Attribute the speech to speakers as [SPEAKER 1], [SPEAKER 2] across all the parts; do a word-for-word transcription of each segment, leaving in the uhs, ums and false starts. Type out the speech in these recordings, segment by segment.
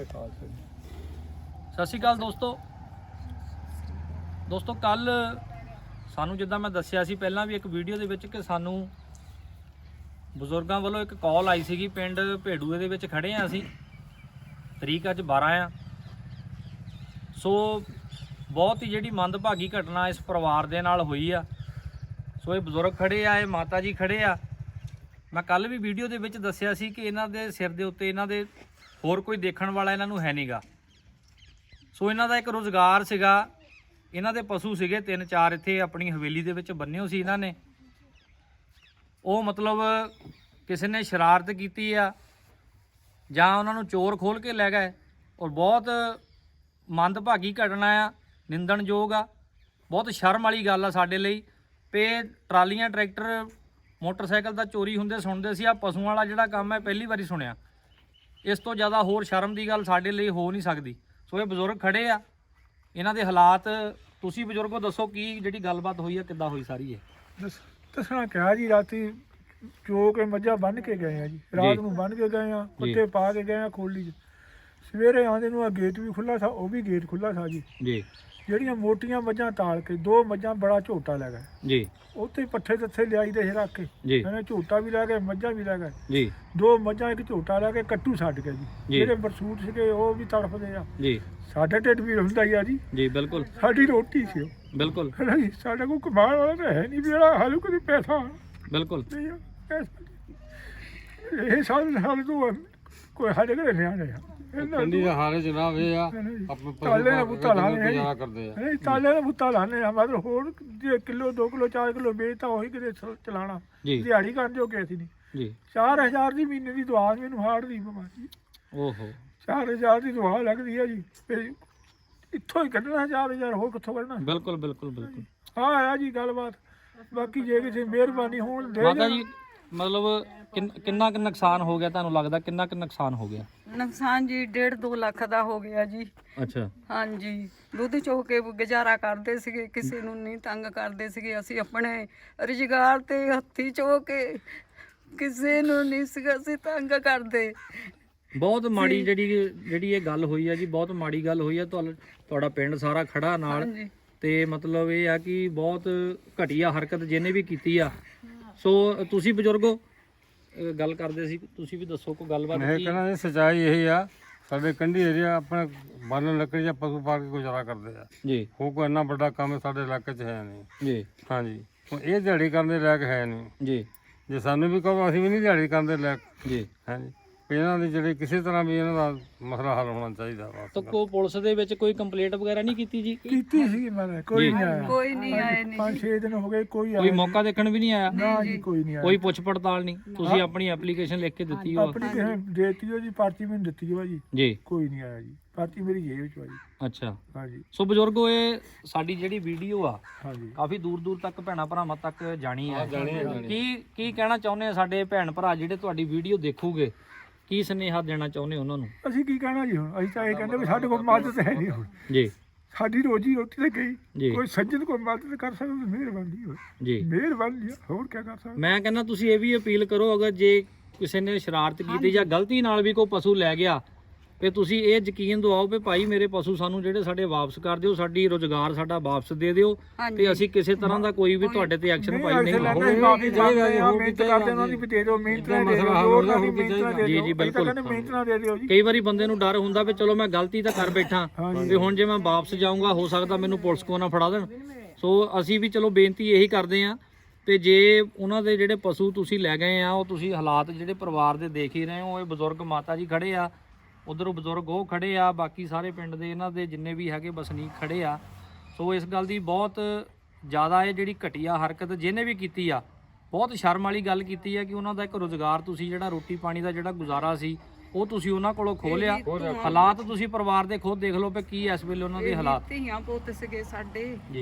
[SPEAKER 1] ਵਾਹਿਗੁਰੂ ਖਾਲਸਾ ਜੀ।
[SPEAKER 2] ਸਤਿ ਸ਼੍ਰੀ ਅਕਾਲ ਦੋਸਤੋ ਦੋਸਤੋ ਕੱਲ ਸਾਨੂੰ ਜਿੱਦਾਂ ਮੈਂ ਦੱਸਿਆ ਸੀ ਪਹਿਲਾਂ ਵੀ ਇੱਕ ਵੀਡੀਓ ਦੇ ਵਿੱਚ ਕਿ ਸਾਨੂੰ ਬਜ਼ੁਰਗਾਂ ਵੱਲੋਂ ਇੱਕ ਕਾਲ ਆਈ ਸੀਗੀ। ਪਿੰਡ ਭੇਡੂਏ ਦੇ ਵਿੱਚ ਖੜੇ ਆ ਅਸੀਂ, ਤਰੀਕ ਅੱਜ ਬਾਰਾਂ ਆ। ਸੋ ਬਹੁਤ ਹੀ ਜਿਹੜੀ ਮੰਦਭਾਗੀ ਘਟਨਾ ਇਸ ਪਰਿਵਾਰ ਦੇ ਨਾਲ ਹੋਈ ਆ। ਸੋ ਇਹ ਬਜ਼ੁਰਗ ਖੜੇ ਆ, ਇਹ ਮਾਤਾ ਜੀ ਖੜੇ ਆ। ਮੈਂ ਕੱਲ ਵੀ ਵੀਡੀਓ ਦੇ ਵਿੱਚ ਦੱਸਿਆ ਸੀ ਕਿ ਇਹਨਾਂ ਦੇ ਸਿਰ ਦੇ ਉੱਤੇ ਇਹਨਾਂ ਦੇ ਹੋਰ ਕੋਈ ਦੇਖਣ ਵਾਲਾ ਇਹਨਾਂ ਨੂੰ ਹੈ ਨਹੀਂਗਾ। ਸੋ ਇਹਨਾਂ ਦਾ ਇੱਕ ਰੁਜ਼ਗਾਰ ਸੀਗਾ, ਇਹਨਾਂ ਦੇ ਪਸ਼ੂ ਸੀਗੇ ਤਿੰਨ ਚਾਰ ਇੱਥੇ ਆਪਣੀ ਹਵੇਲੀ ਦੇ ਵਿੱਚ ਬੰਨਿਓ ਸੀ ਇਹਨਾਂ ਨੇ। ਉਹ ਮਤਲਬ ਕਿਸੇ ਨੇ ਸ਼ਰਾਰਤ ਕੀਤੀ ਆ ਜਾਂ ਉਹਨਾਂ ਨੂੰ ਚੋਰ ਖੋਲ ਕੇ ਲੈ ਗਏ। ਔਰ ਬਹੁਤ ਮੰਦਭਾਗੀ ਘਟਨਾ ਆ, ਨਿੰਦਣਯੋਗ ਆ, ਬਹੁਤ ਸ਼ਰਮ ਵਾਲੀ ਗੱਲ ਆ ਸਾਡੇ ਲਈ। ਪੇ ਟਰਾਲੀਆਂ ਟਰੈਕਟਰ ਮੋਟਰਸਾਈਕਲ ਦਾ ਚੋਰੀ ਹੁੰਦੇ ਸੁਣਦੇ ਸੀ, ਆ ਪਸ਼ੂਆਂ ਵਾਲਾ ਜਿਹੜਾ ਕੰਮ ਹੈ ਪਹਿਲੀ ਵਾਰੀ ਸੁਣਿਆ। ਇਸ ਤੋਂ ਜ਼ਿਆਦਾ ਹੋਰ ਸ਼ਰਮ ਦੀ ਗੱਲ ਸਾਡੇ ਲਈ ਹੋ ਨਹੀਂ ਸਕਦੀ। ਸੋ ਇਹ ਬਜ਼ੁਰਗ ਖੜੇ ਆ, ਇਹਨਾਂ ਦੇ ਹਾਲਾਤ ਤੁਸੀਂ ਬਜ਼ੁਰਗੋ ਦੱਸੋ ਕੀ ਜਿਹੜੀ ਗੱਲਬਾਤ ਹੋਈ ਆ, ਕਿੱਦਾਂ ਹੋਈ ਸਾਰੀ ਇਹ?
[SPEAKER 1] ਦੱਸਣਾ ਕਿਹਾ ਜੀ, ਰਾਤੀ ਚੋ ਕੇ ਮੱਝਾਂ ਬੰਨ੍ਹ ਕੇ ਗਏ ਆ ਜੀ, ਰਾਤ ਨੂੰ ਬੰਨ੍ਹ ਕੇ ਗਏ ਆ, ਕੁੱਤੇ ਪਾ ਕੇ ਗਏ ਆ ਖੋਲੀ 'ਚ। ਸਵੇਰੇ ਆਉਂਦੇ ਨੂੰ ਆ ਗੇਟ ਵੀ ਖੁੱਲ੍ਹਾ ਸੀ, ਉਹ ਵੀ ਗੇਟ ਖੁੱਲ੍ਹਾ ਸੀ ਜੀ ਜੀ। ਜਿਹੜੀਆਂ ਮੋਟੀਆਂ ਮੱਝਾਂ ਤਾਲ ਕੇ ਦੋ ਮੱਝਾਂ ਬੜਾ ਝੋਟਾ ਲੈ ਗਏ ਜੀ, ਉੱਥੇ ਪੱਠੇ ਦੱਥੇ ਲਿਆਈ ਦੇ ਰੱਖ ਕੇ ਇਹਨੇ ਝੋਟਾ ਵੀ ਲੈ ਗਏ, ਮੱਝਾਂ ਵੀ ਲੈ ਗਏ ਜੀ। ਦੋ ਮੱਝਾਂ ਇੱਕ ਝੋਟਾ ਲੈ ਕੇ ਕੱਟੂ ਛੱਡ ਕੇ ਜੀ। ਜਿਹੜੇ ਬਰਸੂਟ ਸੀਗੇ ਉਹ ਵੀ ਤੜਫਦੇ ਆ ਜੀ। ਸਾਡਾ ਢਿੱਡ ਵੀ ਹੁੰਦਾ ਹੀ ਆ ਜੀ ਜੀ ਬਿਲਕੁਲ, ਸਾਡੀ ਰੋਟੀ ਸੀ ਬਿਲਕੁਲ। ਸਾਡਾ ਕੋਈ ਕਮਾਉਣ ਵਾਲਾ ਤਾਂ ਹੈ ਨਹੀਂ ਵੀ ਜਿਹੜਾ ਹਾਲੂ ਕਦੀ ਪੈਸਾ ਬਿਲਕੁਲ ਇਹ ਸਾਲ ਸਾਲ ਤੋਂ ਕੋਈ ਸਾਡੇ ਘਰੇ ਨਹੀਂ ਆਉਂਦੇ ਆ।
[SPEAKER 3] ਪਿੰਡੀ ਦੇ ਹਾਰੇ ਜਨਾਬ ਇਹ ਆ ਆਪਣੇ
[SPEAKER 1] ਤਾਲੇ ਦਾ ਬੁੱਤਾ ਲਾਣੇ
[SPEAKER 3] ਗੁਜ਼ਾਰਾ ਕਰਦੇ ਆ।
[SPEAKER 1] ਨਹੀਂ ਤਾਲੇ ਦਾ ਬੁੱਤਾ ਲਾਣੇ ਆ, ਮਤਲਬ ਹੋਰ ਜੇ ਕਿਲੋ ਦੋ ਕਿਲੋ ਚਾਰ ਕਿਲੋ ਵੇਚਤਾ ਉਹੀ ਕਿਤੇ ਚਲਾਣਾ, ਦਿਹਾੜੀ ਕਰਨ ਜੋਗੇ ਅਸੀਂ ਨਹੀਂ ਜੀ। ਚਾਰ ਹਜ਼ਾਰ ਦੀ ਮਹੀਨੇ ਦੀ ਦਵਾ ਮੈਨੂੰ ਹਾਰਟ ਦੀ ਬਿਮਾਰੀ, ਓਹੋ ਚਾਰ ਹਜ਼ਾਰ ਦੀ ਦਵਾ ਲੱਗਦੀ ਆ ਜੀ। ਇੱਥੋਂ ਹੀ ਕੱਢਣਾ ਚਾਰ ਹਜ਼ਾਰ, ਹੋਰ ਕਿੱਥੋਂ ਕੱਢਣਾ? ਬਿਲਕੁਲ ਬਿਲਕੁਲ ਬਿਲਕੁਲ ਹਾਂ ਆ ਜੀ ਗੱਲਬਾਤ। ਬਾਕੀ ਜੇ ਕਿਸੇ ਮਿਹਰਬਾਨੀ ਹੋਣ ਦੇ
[SPEAKER 2] ਮਾਤਾ ਜੀ, ਮਤਲਬ ਕਿੰਨਾ ਕੁ ਨੁਕਸਾਨ ਹੋ ਗਿਆ ਤੁਹਾਨੂੰ ਲੱਗਦਾ? ਕਿੰਨਾ ਕੁ ਨੁਕਸਾਨ ਹੋ ਗਿਆ?
[SPEAKER 4] ਨੁਕਸਾਨ ਜੀ ਡੇਢ ਦੋ ਲੱਖ ਦਾ ਹੋ ਗਿਆ ਜੀ।
[SPEAKER 2] ਅੱਛਾ
[SPEAKER 4] ਹਾਂਜੀ, ਦੁੱਧ ਚੋ ਕੇ ਗੁਜ਼ਾਰਾ ਕਰਦੇ ਸੀਗੇ, ਕਿਸੇ ਨੂੰ ਨਹੀਂ ਤੰਗ ਕਰਦੇ ਸੀਗੇ। ਅਸੀਂ ਆਪਣੇ ਰੁਜ਼ਗਾਰ ਤੇ ਹੱਥੀ ਚੋ ਕੇ ਕਿਸੇ ਨੂੰ ਨਹੀਂ ਸੀਗਾ ਅਸੀਂ ਤੰਗ ਕਰਦੇ।
[SPEAKER 2] ਬਹੁਤ ਮਾੜੀ ਜਿਹੜੀ ਜਿਹੜੀ ਇਹ ਗੱਲ ਹੋਈ ਆ ਜੀ, ਬਹੁਤ ਮਾੜੀ ਗੱਲ ਹੋਈ ਆ। ਤੁਹਾਡਾ ਪਿੰਡ ਸਾਰਾ ਖੜਾ ਨਾਲ, ਤੇ ਮਤਲਬ ਇਹ ਆ ਕਿ ਬਹੁਤ ਘਟੀਆ ਹਰਕਤ ਜਿਹਨੇ ਵੀ ਕੀਤੀ ਆ। ਸੋ ਤੁਸੀਂ ਬਜ਼ੁਰਗੋ ਗੱਲ ਕਰਦੇ ਸੀ, ਤੁਸੀਂ ਵੀ ਦੱਸੋ ਕੋਈ ਗੱਲਬਾਤ।
[SPEAKER 3] ਮੈਂ ਕਹਿੰਦਾ ਇਹ ਸੱਚਾਈ ਇਹ ਆ, ਸਾਡੇ ਕੰਢੀ ਏਰੀਆ ਆਪਣੇ ਬੰਨ ਲੱਕੜੀ ਜਾਂ ਪਸ਼ੂ ਪਾ ਕੇ ਗੁਜ਼ਾਰਾ ਕਰਦੇ ਆ ਜੀ। ਉਹ ਕੋਈ ਇੰਨਾ ਵੱਡਾ ਕੰਮ ਸਾਡੇ ਇਲਾਕੇ 'ਚ ਹੈ ਨਹੀਂ ਜੀ। ਹਾਂਜੀ, ਇਹ ਦਿਹਾੜੀ ਕਰਨ ਦੇ ਲਾਇਕ ਹੈ ਨਹੀਂ ਜੀ। ਜੇ ਸਾਨੂੰ ਵੀ ਕਹੋ ਅਸੀਂ ਵੀ ਨਹੀਂ ਦਿਹਾੜੀ ਕਰਨ ਦੇ ਲਾਇਕ ਜੀ। ਹਾਂਜੀ, ਇਹਨਾਂ ਦੀ ਜਿਹੜੀ ਕਿਸੇ ਤਰ੍ਹਾਂ ਵੀ ਇਹਨਾਂ ਦਾ ਮਸਲਾ ਹੱਲ ਹੋਣਾ ਚਾਹੀਦਾ ਵਾ।
[SPEAKER 2] ਤਾਂ ਕੋਈ ਪੁਲਿਸ ਦੇ ਵਿੱਚ ਕੋਈ ਕੰਪਲੇਂਟ ਵਗੈਰਾ ਨਹੀਂ ਕੀਤੀ ਜੀ?
[SPEAKER 1] ਕੀਤੀ ਸੀ ਮੈਂ, ਕੋਈ ਨਹੀਂ ਆਇਆ,
[SPEAKER 4] ਕੋਈ ਨਹੀਂ ਆਇਆ ਨਹੀਂ।
[SPEAKER 1] ਪੰਜ ਛੇ ਦਿਨ ਹੋ ਗਏ, ਕੋਈ
[SPEAKER 2] ਕੋਈ ਮੌਕਾ ਦੇਖਣ ਵੀ ਨਹੀਂ ਆਇਆ?
[SPEAKER 1] ਨਾ ਜੀ, ਕੋਈ ਨਹੀਂ ਆਇਆ।
[SPEAKER 2] ਕੋਈ ਪੁੱਛ ਪੜਤਾਲ ਨਹੀਂ? ਤੁਸੀਂ ਆਪਣੀ ਐਪਲੀਕੇਸ਼ਨ ਲਿਖ ਕੇ ਦਿੱਤੀ ਹੋ?
[SPEAKER 1] ਆਪਣੀ ਕਿਸੇ ਦੇਤੀ ਹੋ ਜੀ, ਪਰਚੀ ਮੈਨੂੰ ਦਿੱਤੀ ਹੋ ਜੀ
[SPEAKER 2] ਜੀ।
[SPEAKER 1] ਕੋਈ ਨਹੀਂ ਆਇਆ ਜੀ, ਪਰਚੀ ਮੇਰੀ ਜੇਬ ਵਿੱਚ ਆ ਜੀ।
[SPEAKER 2] ਅੱਛਾ
[SPEAKER 1] ਹਾਂਜੀ।
[SPEAKER 2] ਸੋ ਬਜ਼ੁਰਗੋ ਇਹ ਸਾਡੀ ਜਿਹੜੀ ਵੀਡੀਓ ਆ
[SPEAKER 1] ਹਾਂਜੀ
[SPEAKER 2] ਕਾਫੀ ਦੂਰ ਦੂਰ ਤੱਕ ਭੈਣਾਂ ਭਰਾਵਾਂ ਤੱਕ ਜਾਣੀ ਹੈ। ਕੀ ਕੀ ਕਹਿਣਾ ਚਾਹੁੰਦੇ ਆ ਸਾਡੇ ਭੈਣ ਭਰਾ ਜਿਹੜੇ ਤੁਹਾਡੀ ਵੀਡੀਓ ਦੇਖੂਗੇ? ਕੀ ਸੁਨੇਹਾ ਦੇਣਾ ਚਾਹੁੰਦੇ ਉਹਨਾਂ ਨੂੰ?
[SPEAKER 1] ਅਸੀਂ ਕੀ ਕਹਿਣਾ ਜੀ, ਹੁਣ ਅਸੀਂ ਤਾਂ ਇਹ ਕਹਿੰਦੇ ਵੀ ਸਾਡੇ ਕੋਲ ਮਦਦ ਹੈ ਨਹੀਂ ਹੁਣ ਜੀ। ਸਾਡੀ ਰੋਜੀ ਰੋਟੀ ਤੇ ਗਈ, ਕੋਈ ਸੱਜਣ ਕੋਈ ਮਦਦ ਕਰ ਸਕਦਾ ਤਾਂ ਮਿਹਰਬਾਨੀ ਹੋਵੇ ਜੀ, ਮਿਹਰਬਾਨੀ। ਹੋਰ ਕੀ ਕਰ ਸਕਦਾ?
[SPEAKER 2] ਮੈਂ ਕਹਿੰਦਾ ਤੁਸੀਂ ਇਹ ਵੀ ਅਪੀਲ ਕਰੋ, ਅਗਰ ਜੇ ਕਿਸੇ ਨੇ ਸ਼ਰਾਰਤ ਕੀਤੀ ਜਾਂ ਗਲਤੀ ਨਾਲ ਵੀ ਕੋਈ ਪਸ਼ੂ ਲੈ ਗਿਆ, ਤੇ ਤੁਸੀਂ ਇਹ ਯਕੀਨ ਦਿਵਾਓ ਵੀ ਭਾਈ ਮੇਰੇ ਪਸ਼ੂ ਸਾਨੂੰ ਜਿਹੜੇ ਸਾਡੇ ਵਾਪਸ ਕਰ ਦਿਓ, ਸਾਡੀ ਰੋਜ਼ਗਾਰ ਸਾਡਾ ਵਾਪਸ ਦੇ ਦਿਓ, ਤੇ ਅਸੀਂ ਕਿਸੇ ਤਰ੍ਹਾਂ ਦਾ ਕੋਈ ਵੀ ਤੁਹਾਡੇ ਤੇ ਐਕਸ਼ਨ ਭਾਈ ਨਹੀਂ
[SPEAKER 1] ਹੋਵੇ।
[SPEAKER 2] ਜੀ ਜੀ ਬਿਲਕੁਲ। ਕਈ ਵਾਰੀ ਬੰਦੇ ਨੂੰ ਡਰ ਹੁੰਦਾ ਵੀ ਚਲੋ ਮੈਂ ਗਲਤੀ ਤਾਂ ਕਰ ਬੈਠਾ, ਤੇ ਹੁਣ ਜੇ ਮੈਂ ਵਾਪਸ ਜਾਊਂਗਾ ਹੋ ਸਕਦਾ ਮੈਨੂੰ ਪੁਲਿਸ ਕੋਲ ਨਾ ਫੜਾ ਦੇਣ। ਸੋ ਅਸੀਂ ਵੀ ਚਲੋ ਬੇਨਤੀ ਇਹੀ ਕਰਦੇ ਹਾਂ ਤੇ ਜੇ ਉਹਨਾਂ ਦੇ ਜਿਹੜੇ ਪਸ਼ੂ ਤੁਸੀਂ ਲੈ ਗਏ ਆ, ਉਹ ਤੁਸੀਂ ਹਾਲਾਤ ਜਿਹੜੇ ਪਰਿਵਾਰ ਦੇ ਦੇਖ ਹੀ ਰਹੇ ਹੋ। ਇਹ ਬਜ਼ੁਰਗ ਮਾਤਾ ਜੀ ਖੜੇ ਆ, ਉਧਰੋਂ ਬਜ਼ੁਰਗ ਉਹ ਖੜੇ ਆ, ਬਾਕੀ ਸਾਰੇ ਪਿੰਡ ਦੇ ਇਹਨਾਂ ਦੇ ਜਿੰਨੇ ਵੀ ਹੈਗੇ ਵਸਨੀਕ ਖੜੇ ਆ। ਸੋ ਇਸ ਗੱਲ ਦੀ ਬਹੁਤ ਜ਼ਿਆਦਾ ਇਹ ਜਿਹੜੀ ਘਟੀਆ ਹਰਕਤ ਜਿਹਨੇ ਵੀ ਕੀਤੀ ਆ, ਬਹੁਤ ਸ਼ਰਮ ਵਾਲੀ ਗੱਲ ਕੀਤੀ ਆ ਕਿ ਉਹਨਾਂ ਦਾ ਇੱਕ ਰੁਜ਼ਗਾਰ ਤੁਸੀਂ ਜਿਹੜਾ ਰੋਟੀ ਪਾਣੀ ਦਾ ਜਿਹੜਾ ਗੁਜ਼ਾਰਾ ਸੀ ਉਹ ਤੁਸੀਂ ਉਹਨਾਂ ਕੋਲੋਂ ਖੋਹ ਲਿਆ। ਹਾਲਾਤ ਤੁਸੀਂ ਪਰਿਵਾਰ ਦੇ ਖੁਦ ਦੇਖ ਲਓ ਵੀ ਕੀ ਇਸ ਵੇਲੇ ਉਹਨਾਂ ਦੇ ਹਾਲਾਤ।
[SPEAKER 4] ਧੀਆਂ ਪੁੱਤ ਸੀਗੇ ਸਾਡੇ ਜੀ,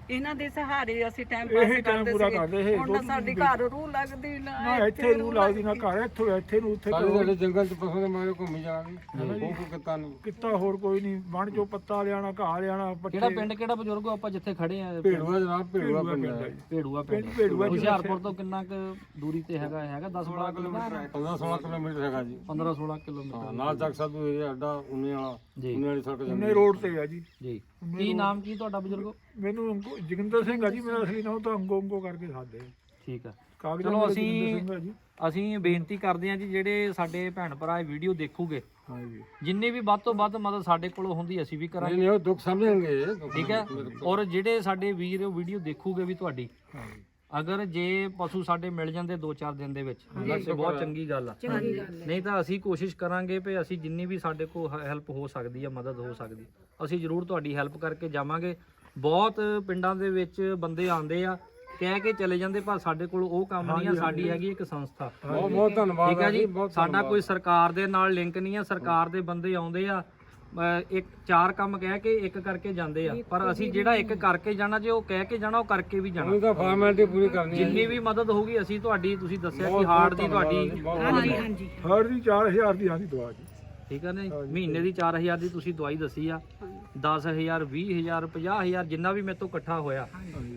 [SPEAKER 4] ਇਹਨਾਂ ਦੇ ਸਹਾਰੇ ਅਸੀਂ ਟਾਈਮ
[SPEAKER 1] ਇਹੀ
[SPEAKER 4] ਪਾਸ
[SPEAKER 1] time
[SPEAKER 4] ਕਰਦੇ
[SPEAKER 1] ਪੂਰਾ ਕਰਦੇ
[SPEAKER 4] ਸੀਗੇ
[SPEAKER 1] ਸੀ।
[SPEAKER 4] ਹੁਣ ਤਾਂ ਸਾਡੀ ਘਰ ਰੂਹ ਲੱਗਦੀ
[SPEAKER 1] ਨਾ
[SPEAKER 4] ਨਾ
[SPEAKER 1] ਇੱਥੇ ਰੂ ਲੱਗਦੀ ਨਾ ਘਰ ਇੱਥੋਂ ਇੱਥੇ ਨੂੰ ਉੱਥੇ
[SPEAKER 3] ਸਾਡੇ
[SPEAKER 1] ਕਰੋ।
[SPEAKER 3] ਜਿਹੜੇ ਜੰਗਲ ਚ ਪਸ਼ੂ ਦੇ ਮਾਰੇ ਘੁੰਮੀ ਜਾਣਗੇ ਉਹ ਕੋਈ ਕਿਤਾ ਨਹੀਂ
[SPEAKER 1] ਕਿੱਤਾ ਹੋਰ ਕੋਈ ਨਹੀਂ ਬਣ ਚੋਂ ਪੱਤਾ ਲਿਆਣਾ ਘਾਹ ਲਿਆਣਾ ਪੱਠੇ
[SPEAKER 2] ਕਿਹੜਾ ਪਿੰਡ ਕਿਹੜਾ ਬਜ਼ੁਰਗੋ ਆਪਾਂ ਜਿੱਥੇ ਖੜੇ ਆ?
[SPEAKER 3] ਭੇੜੂਆ ਜਨਾਬ ਭੇੜੂਆ ਪਿੰਡ
[SPEAKER 1] ਪਿੰਡ
[SPEAKER 3] ਹੈ
[SPEAKER 1] ਹੈ ਜੀ।
[SPEAKER 2] ਭੇੜੂਆ ਪਿੰਡ
[SPEAKER 1] ਪਿੰਡ ਭੇੜੂਆ ਜੀ।
[SPEAKER 2] ਹੁਸ਼ਿਆਰਪੁਰ ਤੋਂ ਕਿੰਨਾ ਕੁ ਦੂਰੀ ਤੇ ਹੈਗਾ ਹੈਗਾ ਦਸ ਬਾਰਾਂ ਕਿਲੋਮੀਟਰ
[SPEAKER 3] ਪੰਦਰਾਂ ਸੋਲਾਂ ਕਿਲੋਮੀਟਰ ਹੈਗਾ ਜੀ।
[SPEAKER 2] ਪੰਦਰਾਂ ਸੋਲਾਂ ਕਿਲੋਮੀਟਰ
[SPEAKER 3] ਹਾਂ, ਨਾਲ ਚੱਕ ਸਾਧੂ ਏਰੀਆ ਅੱਡਾ ਉਨੇ ਵਾਲਾ
[SPEAKER 2] ਜੀ।
[SPEAKER 3] ਉਨੇ ਵਾਲੀ ਸੜਕ
[SPEAKER 1] ਉਹਨੇ
[SPEAKER 3] ਜਾਂਦੀ
[SPEAKER 1] ਰੋਡ ਤੇ ਆ ਜੀ।
[SPEAKER 2] ਜੀ ਕੀ ਨਾਮ ਕੀ ਤੁਹਾਡਾ ਬਜ਼ੁਰਗੋ?
[SPEAKER 1] ਮੈਨੂੰ ਅੰਗੋ- ਜੋਗਿੰਦਰ ਸਿੰਘ ਆ ਜੀ ਮੇਰਾ ਅਸਲੀ ਨਾਮ ਤਾਂ ਅੰਗੋ ਅੰਗੋ ਕਰਕੇ ਸਾਦੇ
[SPEAKER 2] ਠੀਕ ਆ
[SPEAKER 1] ਕਾਗਜ਼ਾਂ
[SPEAKER 2] ਚਲੋ
[SPEAKER 1] ਮੇਰੇ
[SPEAKER 2] ਅਸੀਂ
[SPEAKER 1] ਜੋਗਿੰਦਰ ਸਿੰਘ ਆ ਜੀ।
[SPEAKER 2] ਅਸੀਂ ਬੇਨਤੀ ਕਰਦੇ ਹਾਂ ਜੀ ਜਿਹੜੇ ਸਾਡੇ ਭੈਣ ਭਰਾ ਇਹ ਵੀਡੀਓ ਦੇਖੂਗੇ
[SPEAKER 1] ਹਾਂ ਜੀ
[SPEAKER 2] ਜਿੰਨੀ ਵੀ ਵੱਧ ਤੋਂ ਵੱਧ ਮਦਦ ਸਾਡੇ ਕੋਲੋਂ ਹੁੰਦੀ ਅਸੀਂ ਵੀ ਕਰਾਂਗੇ
[SPEAKER 3] ਨਹੀਂ ਨਹੀਂ ਉਹ ਦੁੱਖ ਸਮਝਣਗੇ ਦੁੱਖ
[SPEAKER 2] ਠੀਕ ਹੈ ਔਰ ਜਿਹੜੇ ਸਾਡੇ ਵੀਰ ਵੀਡੀਓ ਦੇਖੂਗੇ ਵੀ ਤੁਹਾਡੀ
[SPEAKER 1] ਹਾਂ ਜੀ
[SPEAKER 2] ਅਗਰ ਜੇ ਪਸ਼ੂ ਸਾਡੇ ਮਿਲ ਜਾਂਦੇ ਦੋ ਚਾਰ ਦਿਨ ਦੇ ਵਿੱਚ ਤੇ ਬਹੁਤ ਚੰਗੀ ਗੱਲ ਆ ਨਹੀਂ ਤਾਂ ਅਸੀਂ ਕੋਸ਼ਿਸ਼ ਕਰਾਂਗੇ ਵੀ ਅਸੀਂ ਜਿੰਨੀ ਵੀ ਸਾਡੇ ਕੋਲ ਹੈਲਪ ਹੋ ਸਕਦੀ ਆ ਮਦਦ ਹੋ ਸਕਦੀ ਅਸੀਂ ਜ਼ਰੂਰ ਤੁਹਾਡੀ ਹੈਲਪ ਕਰਕੇ ਜਾਵਾਂਗੇ। ਬਹੁਤ ਪਿੰਡਾਂ ਦੇ ਵਿੱਚ ਬੰਦੇ ਆਉਂਦੇ ਆ ਕਹਿ ਕੇ ਚਲੇ ਜਾਂਦੇ ਪਰ ਸਾਡੇ ਕੋਲ ਉਹ ਕੰਮ ਨਹੀਂ ਆ ਸਾਡੀ ਹੈਗੀ ਇੱਕ ਸੰਸਥਾ
[SPEAKER 3] ਬਹੁਤ ਬਹੁਤ ਧੰਨਵਾਦ
[SPEAKER 2] ਠੀਕ ਹੈ ਜੀ
[SPEAKER 3] ਬਹੁਤ
[SPEAKER 2] ਸਾਡਾ ਕੋਈ ਸਰਕਾਰ ਦੇ ਨਾਲ ਲਿੰਕ ਨਹੀਂ ਆ ਸਰਕਾਰ ਦੇ ਬੰਦੇ ਆਉਂਦੇ ਆ ਅਹ ਇੱਕ ਚਾਰ ਕੰਮ ਕਹਿ ਕੇ ਇੱਕ ਕਰਕੇ ਜਾਂਦੇ ਆ ਪਰ ਅਸੀਂ ਜਿਹੜਾ ਇੱਕ ਕਰਕੇ ਜਾਣਾ ਜੇ ਉਹ ਕਹਿ ਕੇ ਜਾਣਾ ਉਹ ਕਰਕੇ ਵੀ ਜਾਣਾ
[SPEAKER 3] ਉਹਨੂੰ ਤਾਂ ਫਾਰਮੈਲਿਟੀ ਪੂਰੀ ਕਰਨੀ ਹੈ
[SPEAKER 2] ਜਿੰਨੀ ਵੀ ਮਦਦ ਹੋਊਗੀ ਅਸੀਂ ਤੁਹਾਡੀ ਤੁਸੀਂ ਦੱਸਿਆ ਕਿ ਹਾਰਟ ਦੀ ਤੁਹਾਡੀ
[SPEAKER 4] ਹਾਂਜੀ ਹਾਂਜੀ
[SPEAKER 1] ਹਰ ਦੀ ਚਾਰ ਹਜ਼ਾਰ ਦੀ ਆਂਦੀ ਦਵਾ ਜੀ।
[SPEAKER 2] ਠੀਕ ਹੈ ਨਾ ਜੀ? ਮਹੀਨੇ ਦੀ ਚਾਰ ਹਜ਼ਾਰ ਦੀ ਤੁਸੀਂ ਦਵਾਈ ਦੱਸੀ ਆ ਦਸ ਹਜ਼ਾਰ ਵੀਹ ਹਜ਼ਾਰ ਪੰਜਾਹ ਹਜ਼ਾਰ ਜਿੰਨਾ ਵੀ ਮੇਰੇ ਤੋਂ ਇਕੱਠਾ ਹੋਇਆ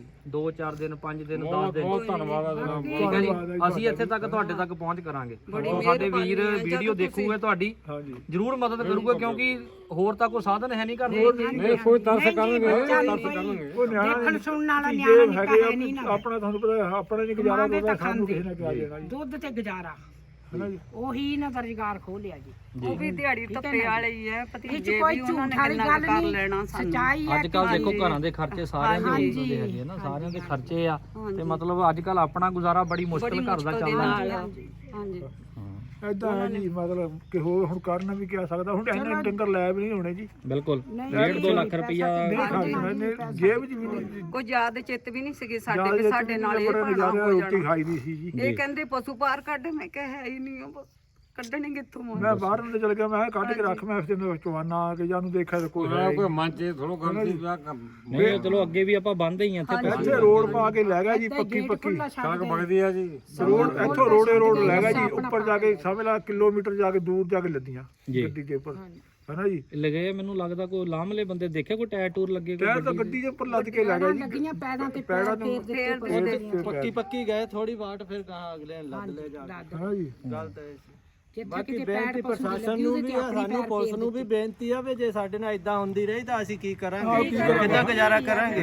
[SPEAKER 2] ਦੋ ਚਾਰ ਦਿਨ ਪੰਜ ਦਿਨ ਦਸ
[SPEAKER 3] ਬਹੁਤ
[SPEAKER 2] ਦਿਨ
[SPEAKER 3] ਬਹੁਤ ਧੰਨਵਾਦ ਆ ਜਨਾਬ
[SPEAKER 2] ਠੀਕ ਹੈ ਜੀ ਅਸੀਂ ਇੱਥੇ ਤੱਕ ਤੁਹਾਡੇ ਤੱਕ ਪਹੁੰਚ ਕਰਾਂਗੇ ਔਰ ਸਾਡੇ ਵੀਰ ਵੀਡੀਓ ਦੇਖੂਗੇ ਤੁਹਾਡੀ
[SPEAKER 1] ਹਾਂ ਜੀ
[SPEAKER 2] ਜ਼ਰੂਰ ਮਦਦ ਕਰੂਗੇ ਕਿਉਂਕਿ ਹੋਰ ਤਾਂ ਕੋਈ ਸਾਧਨ ਹੈ ਨਹੀਂ ਕਰਦੇ
[SPEAKER 3] ਨਹੀਂ ਕੋਈ ਤਰਸ ਕਰਨਗੇ ਤਰਸ ਕਰਨਗੇ
[SPEAKER 1] ਉਹ ਨਿਆਣਾ ਸੁਣਨ ਵਾਲਾ ਨਿਆਣਾ ਹੈਗੇ ਆ, ਆਪਣਾ ਤੁਹਾਨੂੰ ਪਤਾ ਆਪਣਾ ਨਹੀਂ ਗੁਜ਼ਾਰਾ ਹੋਗਾ ਸਾਨੂੰ ਕਿਸੇ ਨੇ ਕਿਹਾ ਦੇਣਾ ਜੀ
[SPEAKER 5] ਦੁੱਧ ਤੇ ਗੁਜ਼ਾਰਾ
[SPEAKER 1] ਹੈ ਜੀ।
[SPEAKER 5] ਉਹੀ ਨਾ ਰੁਜ਼ਗਾਰ ਖੋਲਿਆ ਜੀ
[SPEAKER 4] ਉਹ ਵੀ ਦਿਹਾੜੀ ਧੱਪੇ ਵਾਲੇ ਹੀ ਹੈ
[SPEAKER 5] ਇਹ ਚ
[SPEAKER 4] ਭਤੀਜੇ
[SPEAKER 5] ਕੋਈ
[SPEAKER 4] ਵੀ ਉਹਨਾਂ ਨੇ
[SPEAKER 5] ਝੂਠ ਵਾਲੀ
[SPEAKER 4] ਕਿੰਨਾ
[SPEAKER 5] ਗੱਲ
[SPEAKER 4] ਕੁ ਕਰ
[SPEAKER 5] ਨਹੀਂ
[SPEAKER 4] ਲੈਣਾ ਸਾਨੂੰ
[SPEAKER 5] ਸੱਚਾਈ ਹੈ
[SPEAKER 2] ਅੱਜ ਕੱਲ ਦੇਖੋ ਘਰਾਂ ਦੇ ਖਰਚੇ ਸਾਰਿਆਂ ਦੇ
[SPEAKER 5] ਹਾਂਜੀ।
[SPEAKER 2] ਹੁੰਦੇ ਹੈਗੇ ਆ ਨਾ ਸਾਰਿਆਂ ਦੇ ਖਰਚੇ ਆ ਤੇ ਮਤਲਬ ਅੱਜ ਕੱਲ ਆਪਣਾ ਗੁਜ਼ਾਰਾ ਬੜੀ ਮੁਸ਼ਕਲ ਘਰ ਦਾ ਚੱਲਦਾ
[SPEAKER 4] ਨਾਲ ਹਾਂਜੀ
[SPEAKER 1] ਏਦਾਂ ਹੈ ਜੀ ਮਤਲਬ ਕਿ ਹੋਰ ਹੁਣ ਕਰਨ ਵੀ ਕਿਆ ਸਕਦਾ ਹੁਣ ਇੰਨੇ ਡੰਗਰ ਲੈ ਵੀ ਨਹੀਂ ਹੋਣੇ ਜੀ।
[SPEAKER 2] ਬਿਲਕੁਲ ਡੇਢ ਦੋ ਲੱਖ ਰੁਪਈਆ
[SPEAKER 1] ਨਹੀਂ ਖਾਣਾ ਇਹਨੇ ਜੇਬ 'ਚ ਵੀ ਨਹੀਂ
[SPEAKER 4] ਕੋਈ ਯਾਦ ਚਿੱਤ ਵੀ ਨਹੀਂ ਸੀਗੇ ਸਾਡੇ ਵੀ ਸਾਡੇ ਨਾਲ ਇਹ
[SPEAKER 1] ਬੜਾ
[SPEAKER 4] ਭਾਣਾ
[SPEAKER 1] ਨਜ਼ਾਰਾ
[SPEAKER 4] ਹੋ
[SPEAKER 1] ਰੋਟੀ
[SPEAKER 4] ਜਾਣਾ
[SPEAKER 1] ਖਾਈ ਦੀ ਸੀ ਜੀ।
[SPEAKER 4] ਇਹ ਕਹਿੰਦੇ ਪਸ਼ੂ ਪਾਰ ਕੱਢ ਮੈਂ ਕਿਹਾ ਹੈ ਹੀ ਨਹੀਂ ਉਹ ਕੱਢਣੇ ਕਿੱਥੋਂ ਮੋਂ
[SPEAKER 1] ਮੈਂ ਬਾਹਰ ਨੂੰ ਚਲ ਗਿਆ ਮੈਂ ਕਿਹਾ ਕੱਢ ਕੇ ਰੱਖ ਮੈਂ ਫਿਰ ਨੂੰ ਚਵਾਨਾ ਆ ਕੇ ਜਾਨੂੰ ਦੇਖਿਆ ਤਾਂ ਕੋਈ ਹੈ ਹੀ
[SPEAKER 3] ਕੋਈ ਮਨ ਚ ਥੋੜੋ ਕਰਦੀ ਵਿਆਹ ਕੰਮ
[SPEAKER 2] ਨਹੀਂ ਚਲੋ ਅੱਗੇ ਵੀ ਆਪਾਂ ਬੰਦੇ ਹੀ ਆ ਇੱਥੇ
[SPEAKER 1] ਨਹੀਂ। ਇੱਥੇ ਰੋਡ ਪਾ ਕੇ ਲੈ ਗਿਆ ਜੀ ਪੱਕੀ ਪੱਕੀ
[SPEAKER 3] ਸੜਕ ਵਗਦੀ ਆ ਜੀ
[SPEAKER 1] ਰੋਡ ਇੱਥੋਂ ਰੋੜੇ ਰੋਡ ਲੈ ਗਿਆ ਜੀ ਉੱਪਰ ਜਾ ਕੇ ਸਮਝ ਲਾ ਕਿਲੋਮੀਟਰ ਜਾ ਕੇ ਦੂਰ ਜਾ ਕੇ ਲੱਦੀਆਂ ਗੱਡੀ ਦੇ ਉੱਪਰ ਹੈ ਨਾ ਜੀ।
[SPEAKER 2] ਲਗੇ ਮੈਨੂੰ ਲੱਗਦਾ ਕੋਈ ਲਾਮਲੇ ਬੰਦੇ ਦੇਖੇ ਕੋਈ ਟਾਇਰ ਟੂਰ ਲੱਗੇ ਕੋਈ
[SPEAKER 1] ਟਾਇਰ ਤਾਂ ਗੱਡੀ ਦੇ ਉੱਪਰ ਲੱਦ ਕੇ ਲੈ ਗਿਆ ਜੀ।
[SPEAKER 5] ਲੱਗੀਆਂ ਪੈੜਾਂ ਤੇ
[SPEAKER 1] ਪੈੜਾਂ
[SPEAKER 5] ਪੈਰ
[SPEAKER 1] ਨੂੰ
[SPEAKER 5] ਫੇਰ ਦਿੱਤੇ
[SPEAKER 1] ਪੱਕੀ
[SPEAKER 6] ਪੱਕੀ ਗਏ ਥੋੜੀ ਬਾਟ ਫਿਰ ਕਹਾ ਅਗਲੇ ਲੱਦ ਲੈ ਜਾ
[SPEAKER 5] ਦੱਦ
[SPEAKER 1] ਹੈ ਨਾ ਜੀ।
[SPEAKER 6] ਗੱਲ ਤਾਂ ਇਹ ਸੀ
[SPEAKER 5] ਜਿੱਥੇ
[SPEAKER 6] ਬਾਕੀ
[SPEAKER 5] ਕਿਤੇ
[SPEAKER 6] ਬੇਨਤੀ
[SPEAKER 5] ਪੈਰ
[SPEAKER 6] ਪ੍ਰਸ਼ਾਸਨ ਨੂੰ ਵੀ ਆ ਸਾਨੂੰ ਪੁਲਿਸ ਨੂੰ ਵੀ ਬੇਨਤੀ ਆ ਵੀ ਜੇ ਸਾਡੇ ਨਾਲ ਇਦਾਂ ਹੁੰਦੀ ਰਹੀ ਤਾਂ ਅਸੀਂ ਕੀ ਕਰਾਂਗੇ ਕਿੱਦਾਂ ਗੁਜ਼ਾਰਾ ਕਰਾਂਗੇ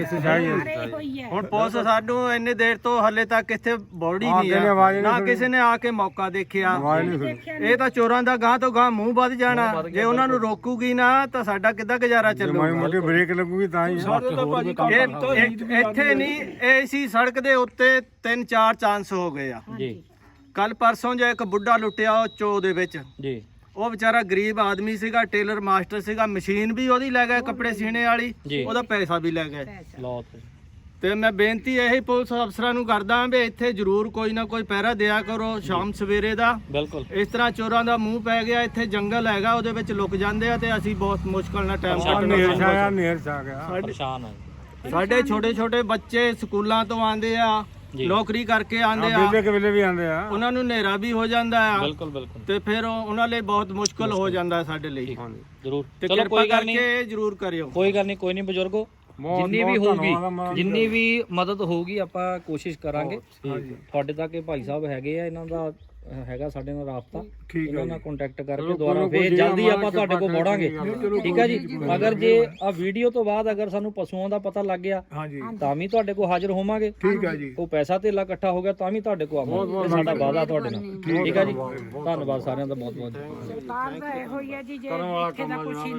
[SPEAKER 5] ਹੋਈ ਹੈ
[SPEAKER 6] ਹੁਣ ਪੁਲਿਸ ਸਾਨੂੰ ਇੰਨੇ ਦੇਰ ਤੋਂ ਹੱਲੇ ਤੱਕ ਇੱਥੇ ਬੋੜੀ ਨਹੀਂ
[SPEAKER 3] ਕਿਸੇ ਨੇ ਆਵਾਜ਼
[SPEAKER 6] ਆ
[SPEAKER 3] ਨਹੀਂ
[SPEAKER 6] ਨਾ ਕਿਸੇ ਨੇ ਆ ਕੇ ਮੌਕਾ ਦੇਖਿਆ
[SPEAKER 3] ਆਵਾਜ਼ ਨਹੀਂ ਸੁਣੀ
[SPEAKER 6] ਇਹ ਤਾਂ ਚੋਰਾਂ ਦਾ ਗਾਂ ਤੋਂ ਗਾਂ ਮੂੰਹ ਵੱਧ ਜਾਣਾ ਜੇ ਉਹਨਾਂ ਨੂੰ ਰੋਕੂਗੀ ਨਾ ਤਾਂ ਸਾਡਾ ਕਿੱਦਾਂ ਗੁਜ਼ਾਰਾ
[SPEAKER 3] ਮਾੜੀ
[SPEAKER 6] ਚੱਲੂਗਾ
[SPEAKER 3] ਮੋਟੀ ਬ੍ਰੇਕ ਲੱਗੂਗੀ ਤਾਂ ਹੀ
[SPEAKER 1] ਸਾਡੇ ਤਾਂ ਭਾਜੀ
[SPEAKER 6] ਇਹ ਇਹ- ਇੱਥੇ ਨਹੀਂ ਇਹ ਸੀ ਸੜਕ ਦੇ ਉੱਤੇ ਤਿੰਨ ਚਾਰ ਚਾਂਸ ਹੋ ਗਏ ਆ
[SPEAKER 2] ਜੀ
[SPEAKER 6] ਕੱਲ ਪਰਸੋਂ ਜੇ ਇੱਕ ਬੁੱਢਾ ਲੁੱਟਿਆ ਉਹ ਚੋ ਦੇ ਵਿੱਚ
[SPEAKER 2] ਜੀ
[SPEAKER 6] ਉਹ ਵਿਚਾਰਾ ਗਰੀਬ ਆਦਮੀ ਸੀਗਾ ਟੇਲਰ ਮਾਸਟਰ ਸੀਗਾ ਮਸ਼ੀਨ ਵੀ ਉਹਦੀ ਲੈ ਗਏ ਕੱਪੜੇ ਸੀਨੇ ਵਾਲੀ
[SPEAKER 2] ਜੀ।
[SPEAKER 6] ਉਹਦਾ ਪੈਸਾ ਵੀ ਲੈ ਗਏ
[SPEAKER 2] ਲਓ ਤੇ
[SPEAKER 6] ਤੇ ਮੈਂ ਬੇਨਤੀ ਇਹੀ ਪੁਲਿਸ ਅਫਸਰਾਂ ਨੂੰ ਕਰਦਾ ਵੀ ਇੱਥੇ ਜ਼ਰੂਰ ਕੋਈ ਨਾ ਕੋਈ ਪਹਿਰਾ ਦਿਆ ਕਰੋ ਸ਼ਾਮ ਸਵੇਰੇ ਦਾ
[SPEAKER 2] ਬਿਲਕੁਲ
[SPEAKER 6] ਇਸ ਤਰ੍ਹਾਂ ਚੋਰਾਂ ਦਾ ਮੂੰਹ ਪੈ ਗਿਆ ਇੱਥੇ ਜੰਗਲ ਹੈਗਾ ਉਹਦੇ ਵਿੱਚ ਲੁਕ ਜਾਂਦੇ ਆ ਤੇ ਅਸੀਂ ਬਹੁਤ ਮੁਸ਼ਕਲ ਨਾਲ ਟਾਈਮ
[SPEAKER 3] ਨੇਰ
[SPEAKER 6] ਕੱਟਣਾ
[SPEAKER 3] ਛਾਇਆ ਨੇਰ ਛਾ ਗਿਆ
[SPEAKER 2] ਪਰੇਸ਼ਾਨ ਆ
[SPEAKER 6] ਸਾਡੇ ਛੋਟੇ ਛੋਟੇ ਬੱਚੇ ਸਕੂਲਾਂ ਤੋਂ ਆਉਂਦੇ ਆ ਨੌਕਰੀ ਕਰਕੇ ਆਉਂਦੇ ਆ
[SPEAKER 3] ਵੇਲੇ ਕੇ ਵੇਲੇ ਵੀ ਆਉਂਦੇ ਆ
[SPEAKER 6] ਉਹਨਾਂ ਨੂੰ ਹਨੇਰਾ ਵੀ ਹੋ ਜਾਂਦਾ ਆ
[SPEAKER 2] ਬਿਲਕੁਲ ਬਿਲਕੁਲ
[SPEAKER 6] ਤੇ ਫਿਰ ਉਹ- ਉਹਨਾਂ ਲਈ ਬਹੁਤ ਮੁਸ਼ਕਲ ਹੋ ਜਾਂਦਾ ਹੈ ਸਾਡੇ ਲਈ
[SPEAKER 2] ਜ਼ਰੂਰ
[SPEAKER 6] ਤੇ
[SPEAKER 2] ਚਲੋ
[SPEAKER 6] ਕਿਰਪਾ
[SPEAKER 2] ਕੋਈ ਗੱਲ ਨਹੀਂ
[SPEAKER 6] ਕਰਕੇ ਜਰੂਰ ਕਰਿਓ
[SPEAKER 2] ਕੋਈ ਗੱਲ ਨਹੀਂ ਕੋਈ ਨਹੀਂ ਬਜ਼ੁਰਗੋ
[SPEAKER 3] ਬਹੁਤ-
[SPEAKER 2] ਜਿੰਨੀ ਵੀ
[SPEAKER 3] ਬਹੁਤ
[SPEAKER 2] ਹੋਊਗੀ
[SPEAKER 3] ਧੰਨਵਾਦ ਆ,
[SPEAKER 2] ਜਿੰਨੀ ਵੀ ਮਦਦ ਹੋਊਗੀ ਆਪਾਂ ਕੋਸ਼ਿਸ਼ ਕਰਾਂਗੇ ਤੁਹਾਡੇ ਤੱਕ ਇਹ ਭਾਈ ਸਾਹਿਬ ਹੈਗੇ ਆ ਇਹਨਾਂ ਦਾ ਅਹ, ਹੈਗਾ ਸਾਡੇ ਨਾਲ ਰਾਬਤਾ
[SPEAKER 1] ਠੀਕ
[SPEAKER 2] ਇਹਨਾਂ
[SPEAKER 1] ਹੈ
[SPEAKER 2] ਨਾਲ ਕੰਟੈਕਟ ਕਰਕੇ
[SPEAKER 3] ਚਲੋ
[SPEAKER 2] ਦੁਬਾਰਾ
[SPEAKER 3] ਕੋਈ
[SPEAKER 2] ਫੇਰ
[SPEAKER 3] ਜੇ
[SPEAKER 2] ਜਲਦੀ
[SPEAKER 3] ਮਾੜਾ
[SPEAKER 2] ਆਪਾਂ ਤੁਹਾਡੇ ਕੋਲ
[SPEAKER 3] ਕਿਰਪਾ
[SPEAKER 2] ਮੋੜਾਂਗੇ
[SPEAKER 3] ਕਰਕੇ
[SPEAKER 2] ਠੀਕ ਹੈ ਜੀ ਅਗਰ ਜੇ ਆ ਵੀਡੀਓ ਤੋਂ ਬਾਅਦ ਅਗਰ ਸਾਨੂੰ ਪਸ਼ੂਆਂ ਦਾ ਪਤਾ ਲੱਗ ਗਿਆ
[SPEAKER 1] ਹਾਂਜੀ
[SPEAKER 2] ਤਾਂ ਵੀ ਤੁਹਾਡੇ ਕੋਲ ਹਾਜ਼ਰ ਹੋਵਾਂਗੇ
[SPEAKER 1] ਠੀਕ ਹੈ ਜੀ।
[SPEAKER 2] ਉਹ ਪੈਸਾ ਧੇਲਾ ਇਕੱਠਾ ਹੋ ਗਿਆ ਤਾਂ ਵੀ ਤੁਹਾਡੇ ਕੋਲ ਆਵਾਂਗੇ ਇਹ ਸਾਡਾ ਵਾਅਦਾ ਤੁਹਾਡੇ ਨਾਲ ਠੀਕ ਹੈ ਜੀ ਧੰਨਵਾਦ ਸਾਰਿਆਂ ਦਾ ਬਹੁਤ ਬਹੁਤ
[SPEAKER 5] ਸਰਕਾਰ ਦਾ ਇਹੋ ਹੀ ਹੈ ਜੀ ਜੇ
[SPEAKER 3] ਕਰਨ ਵਾਲਾ
[SPEAKER 5] ਇੱਥੇ ਦਾ
[SPEAKER 3] ਕੰਮ ਆ
[SPEAKER 5] ਕੁਛ
[SPEAKER 3] ਜਨਾਬ।